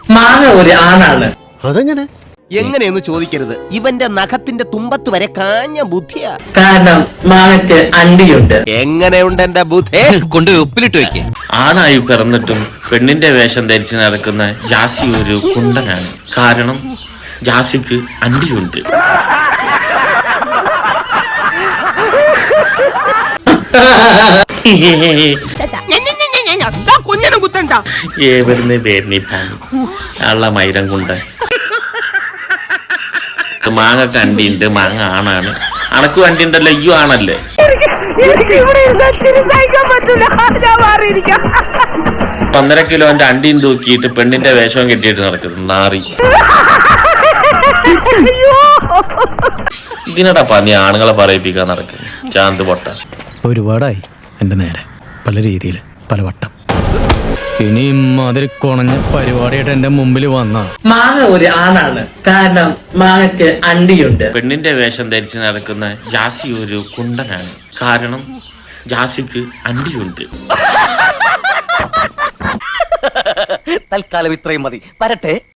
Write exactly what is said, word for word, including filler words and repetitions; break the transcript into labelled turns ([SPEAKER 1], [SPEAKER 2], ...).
[SPEAKER 1] മാങ്ങ ഒരു ആണാണ്.
[SPEAKER 2] അതെങ്ങനെ?
[SPEAKER 3] എങ്ങനെയെന്ന് ചോദിക്കരുത്. ഇവന്റെ നഖത്തിന്റെ തുമ്പത്ത് വരെ കാഞ്ഞ ബുദ്ധിയാ.
[SPEAKER 1] കാരണം മാങ്ങയ്ക്ക് അണ്ടിയുണ്ട്.
[SPEAKER 3] എങ്ങനെയുണ്ട് എന്റെ ബുദ്ധി?
[SPEAKER 4] കൊണ്ട് ഉപ്പിലിട്ട് വെക്കേ.
[SPEAKER 5] ആണായി പിറന്നിട്ടും പെണ്ണിന്റെ വേഷം ധരിച്ച് നടക്കുന്ന ജാസി ഒരു കുണ്ടനാണ്. കാരണം ജാസിക്ക് അണ്ടിയുണ്ട്.
[SPEAKER 3] കുഞ്ഞിനും കുത്തണ്ട.
[SPEAKER 5] ഏവരുന്ന് പേരിനിപ്പാൻ ഉള്ള മൈരം കൊണ്ട് മാങ്ങക്ക് അണ്ടിയുണ്ട്. മാങ്ങ ആണാണ്. അണക്ക് വണ്ടി ഉണ്ടല്ലോ, അയ്യോ ആണല്ലേ. ഒന്നര കിലോന്റെ അണ്ടിയും തൂക്കിയിട്ട് പെണ്ണിന്റെ വേഷവും കെട്ടിയിട്ട് നടക്കുന്നു നാറി. ഇതിനടാ നീ ആണുങ്ങളെ പറയിപ്പിക്കാൻ നടക്കുന്നു ചാന്ത് പൊട്ട.
[SPEAKER 6] ഒരുപാടായി എന്റെ നേരെ പല രീതിയിൽ പലവട്ടം. ഇനിയും അതിൽ കുണഞ്ഞ പരിപാടിയായിട്ട് എന്റെ മുമ്പിൽ വന്ന
[SPEAKER 1] മാങ്ങ ഒരു ആണാണ്. കാരണം മാങ്ങയ്ക്ക് അണ്ടിയുണ്ട്.
[SPEAKER 5] പെണ്ണിന്റെ വേഷം ധരിച്ച് നടക്കുന്ന ജാസി ഒരു കുണ്ടനാണ്. കാരണം ജാസിക്ക് അണ്ടിയുണ്ട്.
[SPEAKER 4] തൽക്കാലം ഇത്രയും മതി. വരട്ടെ.